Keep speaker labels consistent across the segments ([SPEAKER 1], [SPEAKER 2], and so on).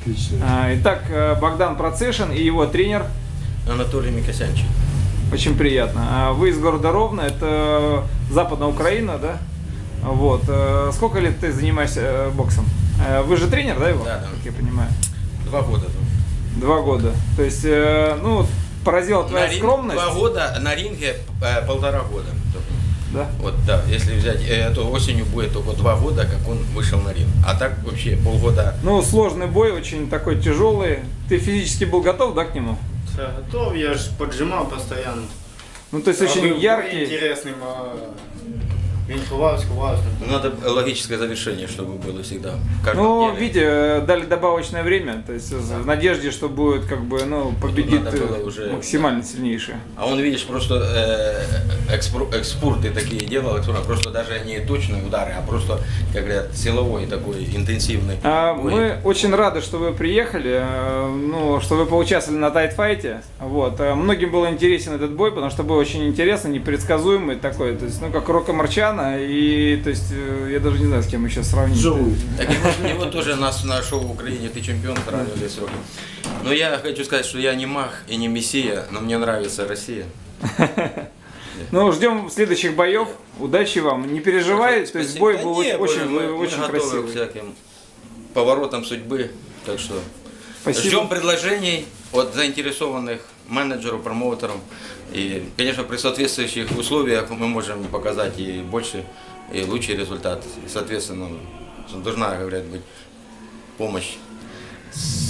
[SPEAKER 1] Отлично.
[SPEAKER 2] Итак, Богдан Процешин и его тренер.
[SPEAKER 3] Анатолий Микосянчик.
[SPEAKER 2] Очень приятно. Вы из города Ровно, это Западная Украина, да? Вот. Сколько лет ты занимаешься боксом? Вы же тренер, да, его?
[SPEAKER 3] Да.
[SPEAKER 2] Как я понимаю.
[SPEAKER 3] 2 года.
[SPEAKER 2] 2 года. То есть, ну, поразила твоя скромность.
[SPEAKER 3] 2 года, на ринге 1,5 года.
[SPEAKER 2] Да?
[SPEAKER 3] Вот, да, если взять, эту осенью будет только 2 года, как он вышел на ринг. А так вообще полгода.
[SPEAKER 2] Ну, сложный бой, очень такой тяжелый. Ты физически был готов, да, к нему?
[SPEAKER 4] Да, готов, я же поджимал постоянно.
[SPEAKER 2] Ну, то есть очень
[SPEAKER 4] Был
[SPEAKER 2] яркий.
[SPEAKER 4] интересным, він ховався.
[SPEAKER 3] Надо логическое завершение, чтобы было всегда. В каждом
[SPEAKER 2] Ну,
[SPEAKER 3] деле.
[SPEAKER 2] видите, дали добавочное время, то есть в надежде, что будет, как бы, ну, победит
[SPEAKER 3] надо было уже,
[SPEAKER 2] максимально сильнейший.
[SPEAKER 3] А он, видишь, просто экспорты такие делал, просто даже не точные удары, а просто, как говорят, силовой такой интенсивный бой.
[SPEAKER 2] Мы очень рады, что вы приехали, ну, что вы поучаствовали на тайтфайте. Вот. Многим был интересен этот бой, потому что бой очень интересный, непредсказуемый такой, то есть, ну, как Рока Марчана, и, то есть, я даже не знаю, с кем еще сравнить.
[SPEAKER 3] Так его тоже нас на шоу в Украине «Ты чемпион» сравнивали с Роком. Но я хочу сказать, что я не маг и не мессия, но мне нравится Россия.
[SPEAKER 2] Ну, ждем следующих боев. Удачи вам. Не переживай, то есть бой был очень
[SPEAKER 3] готовы
[SPEAKER 2] красивый.
[SPEAKER 3] к всяким поворотам судьбы. Так что
[SPEAKER 2] Спасибо.
[SPEAKER 3] ждем предложений от заинтересованных менеджеров, промоутеров. И, конечно, при соответствующих условиях мы можем показать и больше, и лучший результат. И, соответственно, должна, говорят, быть помощь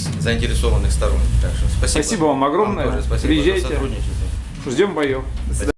[SPEAKER 3] заинтересованных сторон. Так что спасибо.
[SPEAKER 2] Спасибо вам огромное.
[SPEAKER 3] Вам тоже спасибо
[SPEAKER 2] Приезжайте.
[SPEAKER 3] за сотрудничество.
[SPEAKER 2] Ждем боев. До свидания.